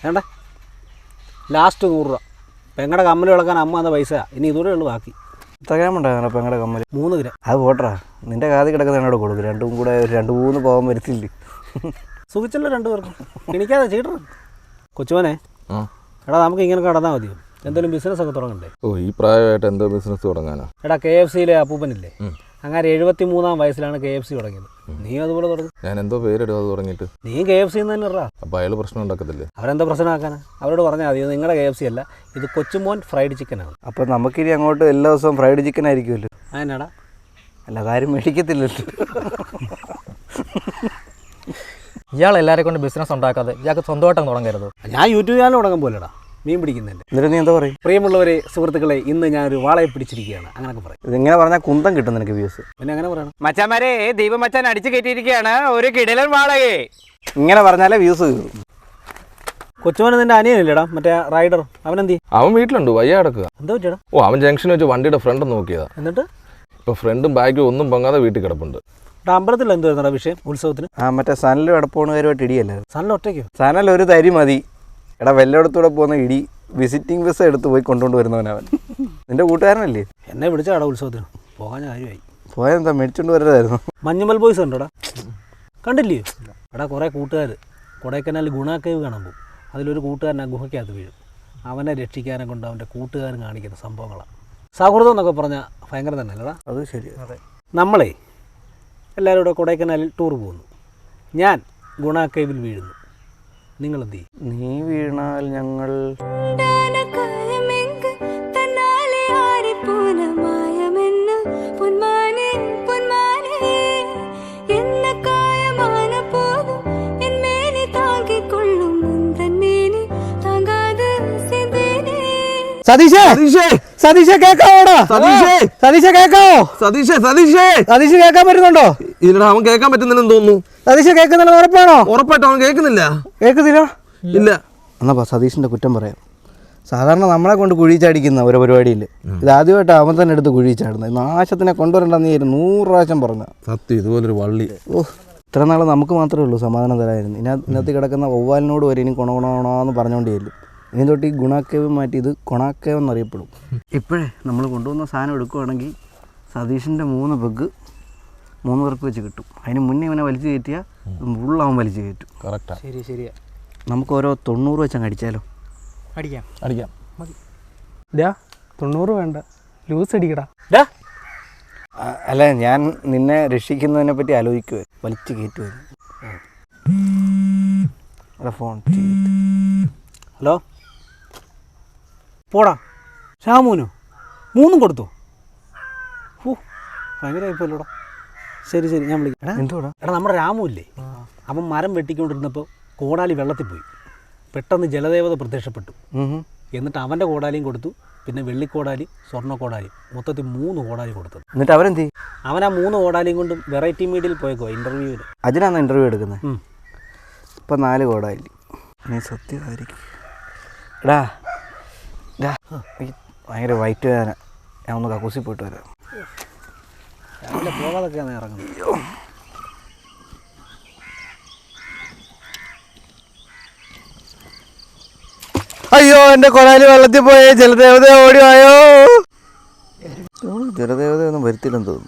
വേണ്ട, ലാസ്റ്റ് 100 രൂപ. പെങ്ങടെ കമ്മൽ വിളക്കാൻ അമ്മ എന്ന പൈസ, ഇനി ഇതുകൂടെ ഉള്ളു ബാക്കി. തകരാമുണ്ടാകും പെങ്ങടെ കമ്മൽ 3 ഗ്രാം. അത് പോട്ടറാ, നിന്റെ കാതി കിടക്കുന്ന എന്നോട് കൊടുക്കും. രണ്ടും കൂടെ 2-3 പോകാൻ വരത്തില്ലേ. സുഖിച്ചല്ലോ 2 പേർക്കും. എണിക്കാതെ ചീട്ടർ. കൊച്ചുമോനെ, എടാ നമുക്ക് ഇങ്ങനെ കടന്നാൽ മതിയോ? എന്തെങ്കിലും ബിസിനസ് ഒക്കെ തുടങ്ങണ്ടേ? ഈ പ്രായമായിട്ട് എന്തോ ബിസിനസ് തുടങ്ങാനാ? എടാ KFCയിലെ അപ്പൂപ്പനില്ലേ, അങ്ങനെ 73-ാം വയസ്സിലാണ് KFC തുടങ്ങിയത്. നീ അതുപോലെ തുടങ്ങും. ഞാൻ എന്തോ പേരിടും അത് തുടങ്ങിയിട്ട്. നീ KFC തന്നെ ഇറാ. അപ്പോൾ അയാൾ പ്രശ്നം ഉണ്ടാക്കത്തില്ലേ? അവരെന്താ പ്രശ്നമാക്കാനാ? അവരോട് പറഞ്ഞാൽ മതി, നിങ്ങളുടെ KFC അല്ല, ഇത് കൊച്ചുമോൻ ഫ്രൈഡ് ചിക്കനാണ്. അപ്പം നമുക്കിനി അങ്ങോട്ട് എല്ലാ ദിവസവും ഫ്രൈഡ് ചിക്കൻ ആയിരിക്കുമല്ലോ. അതിനാടാ അല്ല, അതാരും മേടിക്കത്തില്ലല്ലോ. ഇയാൾ എല്ലാവരെ കൊണ്ട് ബിസിനസ് ഉണ്ടാക്കാതെ ഇയാൾക്ക് സ്വന്തമായിട്ടങ്ങ് തുടങ്ങരുത്. ഞാൻ യൂട്യൂബ് ചാനൽ തുടങ്ങാൻ പോലെടാ, മീൻ പിടിക്കുന്നതിൻ്റെ. എന്നിട്ട് നീ എന്താ പറയും? പ്രിയമുള്ളവരെ, സുഹൃത്തുക്കളെ, ഇന്ന് ഞാനൊരു വാളയെ പിടിച്ചിരിക്കുകയാണ്, അങ്ങനെയൊക്കെ പറയും. ഇതിങ്ങനെ പറഞ്ഞാൽ കുന്തം കിട്ടും നിനക്ക് വ്യൂസ്. പിന്നെ അങ്ങനെ പറയണം. മച്ചാന്മാരെ, ദീപമച്ചാൻ അടിച്ചു കയറ്റിയിരിക്കുകയാണ് ഒരു കിടിലൻ വാളകെ. ഇങ്ങനെ പറഞ്ഞാലേ വ്യൂസ് കയറും. കൊച്ചുമോനെ നിന്റെ അനിയനില്ലേടാ, മറ്റേ റൈഡർ, അവനെന്തി? അവൻ വീട്ടിലുണ്ട്, വയ്യ കിടക്കുക. എന്താ പറ്റിയടാ? അവൻ ജംഗ്ഷനിൽ വെച്ച് വണ്ടിയുടെ ഫ്രണ്ട് നോക്കിയതാ. എന്നിട്ട് ഇപ്പോൾ ഫ്രണ്ടും ബാഗും ഒന്നും പൊങ്ങാതെ വീട്ടിൽ കിടപ്പുണ്ട്. അമ്പലത്തിൽ എന്തായിരുന്നടാ വിഷയം? ഉത്സവത്തിന് മറ്റേ സനലും എടപ്പോണുകാരുമായിട്ട് ഇടിയല്ലായിരുന്നു. സനൽ ഒറ്റയ്ക്കോ? സനൽ ഒരു തരി മതി. എടാ വെല്ലയിടത്തൂടെ പോകുന്ന ഇടി വിസിറ്റിംഗ് വിസ എടുത്ത് പോയി കൊണ്ടുകൊണ്ട് വരുന്നവനവൻ. നിന്റെ കൂട്ടുകാരനല്ലേ? എന്നെ വിളിച്ചാടാ ഉത്സവത്തിന്, പോകാൻ കാര്യമായി. പോയെന്താ മേടിച്ചോണ്ട് വരതായിരുന്നു. മഞ്ഞുമൽ ബോയ്സ് ഉണ്ടോടാ? കണ്ടില്ലേ? എടാ കുറേ കൂട്ടുകാർ കൊടൈക്കനാൽ ഗുണ കേവ് കാണാൻ പോകും. അതിലൊരു കൂട്ടുകാരൻ ആ ഗുഹയ്ക്കകത്ത് വീഴും. അവനെ രക്ഷിക്കാനെ കൊണ്ട് അവൻ്റെ കൂട്ടുകാരൻ കാണിക്കുന്ന സംഭവങ്ങളാണ്. സൗഹൃദം എന്നൊക്കെ പറഞ്ഞാൽ ഭയങ്കര തന്നെ അല്ലടാ? അത് ശരി. അതെ. നമ്മളെ എല്ലാവരും കൂടെ കൊടൈക്കനാലിൽ ടൂർ പോകുന്നു. ഞാൻ ഗുണ കേവിൽ വീഴുന്നു. നിങ്ങൾ എന്ത് ചെയ്യും? നീ വീണാൽ ഞങ്ങൾ സതീഷേ, സതീഷേ കേക്കാവോടാ? സതീഷേ കേക്കാവോ? സതീഷ് കേൾക്കാൻ പറ്റുന്നുണ്ടോ? ഇതിലൂടെ അവൻ കേൾക്കാൻ പറ്റുന്നില്ലെന്ന് തോന്നുന്നു. സതീഷ് കേൾക്കുന്നില്ല, ഉറപ്പാണോ? ഉറപ്പായിട്ടും അവൻ കേൾക്കുന്നില്ല. കേൾക്കുന്നില്ല? ഇല്ല. എന്നാ സതീഷിന്റെ കുറ്റം പറയാം. സാധാരണ നമ്മളെ കൊണ്ട് കുഴിച്ചടിക്കുന്ന ഒരു പരിപാടിയിൽ ഇത് ആദ്യമായിട്ട് അവൻ തന്നെ എടുത്ത് കുഴിച്ചാടുന്നത്. നാശത്തിനെ കൊണ്ടുവരണ്ടെന്ന് 100 പ്രാവശ്യം പറഞ്ഞു. സത്യം, ഇതുപോലൊരു വള്ളി. ഇത്ര നാൾ നമുക്ക് മാത്രമേ ഉള്ളൂ സമാധാനം തരായിരുന്നു. ഇതിനകത്ത് കിടക്കുന്ന ഒവ്വാലിനോട് വരെ ഇനി കൊണകൊണോന്ന് പറഞ്ഞുകൊണ്ടേയില്ല. ഇനി തൊട്ട് ഈ ഗുണാക്കേവ് മാറ്റി ഇത് കൊണാക്കേവ് എന്നറിയപ്പെടും. ഇപ്പോഴേ നമ്മൾ കൊണ്ടുവന്ന സാധനം എടുക്കുകയാണെങ്കിൽ സതീഷിൻ്റെ 3 പെഗ് 3 പേർക്ക് വെച്ച് കിട്ടും. അതിന് മുന്നേ ഇവനെ വലിച്ചു കയറ്റിയാൽ ഫുള്ളാവൻ വലിച്ചു കയറ്റും. കറക്റ്റാ. ശരിയാ. നമുക്ക് ഓരോ 90 വെച്ചങ്ങ് അടിച്ചാലോ? അടിക്കാം. ഡാ 90 വേണ്ട, ലൂസ് അടിക്കടാ. അല്ല, ഞാൻ നിന്നെ രക്ഷിക്കുന്നതിനെ പറ്റി ആലോചിക്കുവേ. വലിച്ചു കയറ്റുമായിരുന്നു. ഫോൺ. ഹലോ, പോടാ. ഷാമൂനോ 3 കൊടുത്തോ? ഭയങ്കരമായിപ്പോല്ലോടാ. ശരി, ഞാൻ വിളിക്കാം. എന്തുവാടാ? എടാ, നമ്മുടെ രാമു ഇല്ലേ, അവൻ മരം വെട്ടിക്കൊണ്ടിരുന്നപ്പോൾ കോടാലി വെള്ളത്തിൽ പോയി. പെട്ടെന്ന് ജലദേവത പ്രത്യക്ഷപ്പെട്ടു. എന്നിട്ട് അവൻ്റെ കോടാലിയും കൊടുത്തു, പിന്നെ വെള്ളിക്കോടാലി, സ്വർണ്ണക്കോടാലി, മൊത്തത്തിൽ 3 കോടാലി കൊടുത്തത്. എന്നിട്ട് അവൻ ആ 3 കോടാലിയും കൊണ്ടും വെറൈറ്റി മീഡിയയിൽ പോയേക്കോ ഇൻ്റർവ്യൂവിന്. അതിനാണ് ഇൻ്റർവ്യൂ എടുക്കുന്നത്. ഇപ്പം 4 കോടാലി. നീ സത്യമായിരിക്കും. എടാ ഭയങ്കര വൈറ്റ് വേദന. ഞാൻ ഒന്ന് കക്കൂസി പോയിട്ട് വരാം. രാവിലെ പോകാതൊക്കെയാണ് ഇറങ്ങുന്നത്. അയ്യോ, എൻ്റെ കൊടാലി വെള്ളത്തിൽ പോയേ. ജലദേവത ഓടിവായോ. ജലദേവതയൊന്നും വരുത്തില്ലെന്ന് തോന്നുന്നു.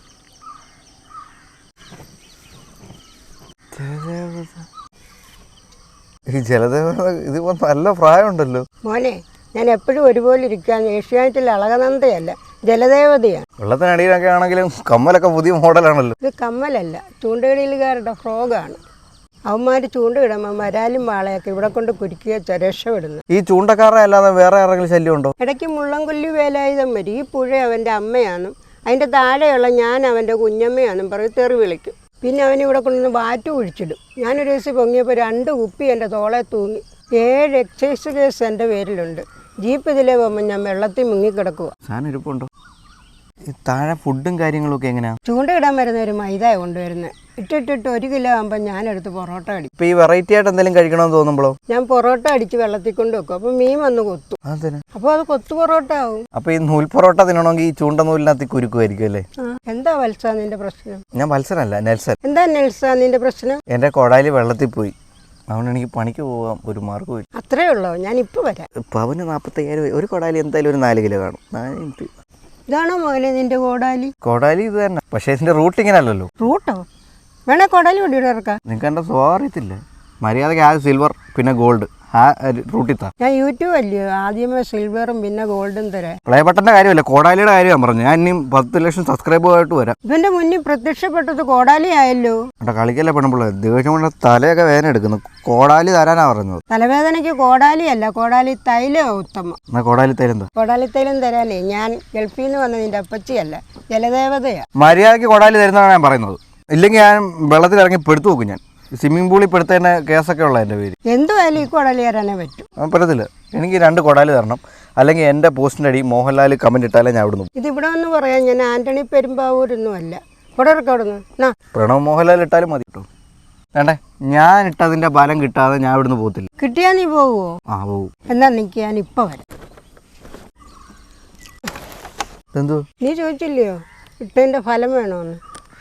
ഈ ജലദേവത ഇതിപ്പോ നല്ല പ്രായമുണ്ടല്ലോ. മോനെ, ഞാൻ എപ്പോഴും ഒരുപോലെ ഇരിക്കാൻ ഏഷ്യാനെറ്റിൽ അളകനന്ദയല്ല, ജലദേവതയാണ്. വെള്ളത്തിനടിയിലൊക്കെ ആണെങ്കിലും കമ്മലൊക്കെ പുതിയ മോഡലാണല്ലോ. ഇത് കമ്മലല്ല, ചൂണ്ടകളിലുകാരുടെ ഫ്രോഗാണ്. അവന്മാർ ചൂണ്ടയിടുമ്പോൾ വരാലും വാളയൊക്കെ ഇവിടെ കൊണ്ട് കുരുക്കിയ രക്ഷപ്പെടുന്നു. ഈ ചൂണ്ടക്കാരെ അല്ലാതെ വേറെ ആരെങ്കിലും ശല്യം ഉണ്ടോ? ഇടയ്ക്ക് മുള്ളംകൊല്ലി വേലായുധം വരും. ഈ പുഴ അവൻ്റെ അമ്മയാണെന്നും അതിൻ്റെ താഴെയുള്ള ഞാൻ അവൻ്റെ കുഞ്ഞമ്മയാണെന്നും പറയും തെറി വിളിക്കും. പിന്നെ അവനിവിടെ കൊണ്ടുവന്ന് വാറ്റ് കുഴിച്ചിടും. ഞാനൊരു ദിവസം പൊങ്ങിയപ്പോൾ 2 കുപ്പി എൻ്റെ തോളെ തൂങ്ങി. 7 എക്സൈസ് കേസ് എൻ്റെ പേരിലുണ്ട്. ജീപ്പ് ഇതിലേ പോകുമ്പോൾ ഞാൻ വെള്ളത്തിൽ മുങ്ങിക്കിടക്കുക. സാധനം ഇരിപ്പുണ്ടോ? ഈ താഴെ ഫുഡും കാര്യങ്ങളൊക്കെ എങ്ങനെയാണ്? ചൂണ്ടയിടാൻ വരുന്ന ഒരു മൈദ കൊണ്ടുവരുന്നത്. ഇട്ടിട്ട് 1 കിലോ ആകുമ്പോൾ ഞാനെടുത്ത് പൊറോട്ട അടിക്കും. ഇപ്പം ഈ വെറൈറ്റി ആയിട്ട് എന്തെങ്കിലും കഴിക്കണമെന്ന് തോന്നുമ്പോഴോ? ഞാൻ പൊറോട്ട അടിച്ച് വെള്ളത്തിൽ കൊണ്ട് വെക്കും. അപ്പോൾ മീൻ വന്ന് കൊത്തും. അപ്പോൾ അത് കൊത്തു പൊറോട്ട ആവും. അപ്പോൾ ഈ നൂൽ പൊറോട്ട തിന്നണമെങ്കിൽ ഈ ചൂണ്ട നൂലിനകത്ത് കുരുക്കുമായിരിക്കും അല്ലേ? എന്താ വത്സ നിന്റെ പ്രശ്നം? ഞാൻ വത്സരല്ല, നെൽസൺ. എന്താ നെൽസ നിന്റെ പ്രശ്നം? എൻ്റെ കൊടാലി വെള്ളത്തിൽ പോയി. അതുകൊണ്ട് എനിക്ക് പണിക്ക് പോകാൻ ഒരു മാർഗ്ഗമില്ല. അത്രേ ഉള്ളൂ, ഞാൻ ഇപ്പോൾ വരാം. പവന് 45,000, ഒരു കൊടാലി എന്തായാലും ഒരു 4 കിലോ കാണും. ഇതാണോ മോനെ നിന്റെ കോടാലി? കൊടാലി ഇത് തന്നെ, പക്ഷേ ഇതിൻ്റെ റൂട്ട് ഇങ്ങനെ അല്ലല്ലോ. റൂട്ടോ വേണേ കോടാലി കൊണ്ടിട്ട് ഇറക്കാം. നിങ്ങൾക്ക് എൻ്റെ സ്വഭാവം അറിയത്തില്ല. മര്യാദയ്ക്ക് ആ സിൽവർ പിന്നെ ഗോൾഡ് ആ റൂട്ടിൽ താ. ഞാൻ യൂട്യൂബ് അല്ലയോ, ആദ്യമേ സിൽവറും പിന്നെ ഗോൾഡും തരാം. പ്ലേ ബട്ടൻ്റെ കാര്യമല്ല, കോടാലിയുടെ കാര്യമാണ് പറഞ്ഞു. ഞാൻ ഇനിയും 10 ലക്ഷം സബ്സ്ക്രൈബറുമായിട്ട് വരാം. ഇവന്റെ മുന്നിൽ പ്രത്യക്ഷപ്പെട്ടത് കോടാലി ആയല്ലോ. എൻ്റെ കളിക്കല്ലേ പെണ്ണുമ്പോൾ ദിവസം കൊണ്ട് തലയൊക്കെ വേദന എടുക്കുന്നു. കോടാലി തരാനാണ് പറഞ്ഞത്. തലവേദനയ്ക്ക് കോടാലി അല്ല, കോടാലി തൈലം ഉത്തമം. എന്നാൽ കോടാലി തൈലം എന്താ? കോടാലി തൈലം തരാനേ ഞാൻ ഗൾഫിൽ നിന്ന് വന്ന നിന്റെ അപ്പച്ചിയല്ല, ജലദേവതയാ. മര്യാദയ്ക്ക് കോടാലി തരുന്നതാണ് ഞാൻ പറയുന്നത്. ഇല്ലെങ്കിൽ ഞാൻ വെള്ളത്തിൽ ഇറങ്ങി പെടുത്തു നോക്കും. ഞാൻ സ്വിമ്മിംഗ് പൂളിൽ പെടുത്തതിൻ്റെ കേസൊക്കെ ഉള്ള എൻ്റെ പേര്. എന്തുമായാലും ഈ കോടാലി തരാനേ പറ്റും. പറ്റത്തില്ല. എനിക്ക് 2 കോടാലി തരണം, അല്ലെങ്കിൽ എൻ്റെ പോസ്റ്റിൻ്റെ അടി മോഹൻലാൽ കമൻറ്റ് ഇട്ടാലേ ഞാൻ ഇവിടുന്ന്. ഇതിവിടെ ഒന്ന് പറയാം, ഞാൻ ആന്റണി പെരുമ്പാവൂരൊന്നും അല്ല. കൊടർക്ക് അവിടെ നിന്ന് പ്രണവ് മോഹൻലാൽ ഇട്ടാലും മതി കേട്ടോ. വേണ്ടേ, ഞാൻ ഇട്ടതിൻ്റെ ബലം കിട്ടാതെ ഞാൻ ഇവിടുന്ന് പോകത്തില്ല. കിട്ടിയാ നീ പോവുമോ? ആ പോവും. എന്നാ നിൽക്ക്, ഞാൻ ഇപ്പം വരാം. എന്തോ നീ ചോദിച്ചില്ലയോ ഇട്ടതിൻ്റെ ഫലം വേണമെന്ന്?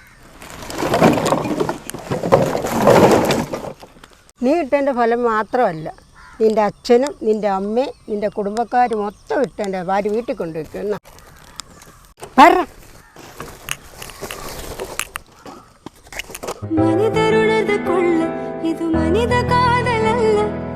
നീ ഇട്ടതിൻ്റെ ഫലം മാത്രമല്ല, നിൻ്റെ അച്ഛനും നിൻ്റെ അമ്മയും നിൻ്റെ കുടുംബക്കാരും മൊത്തം ഇട്ടതിൻ്റെ ഭാര്യ വീട്ടിൽ കൊണ്ടുവയ്ക്കും. എന്നാ പറ. മനിതരുണത് കൊള്ള ഇത് മനിത കാതലല്ല.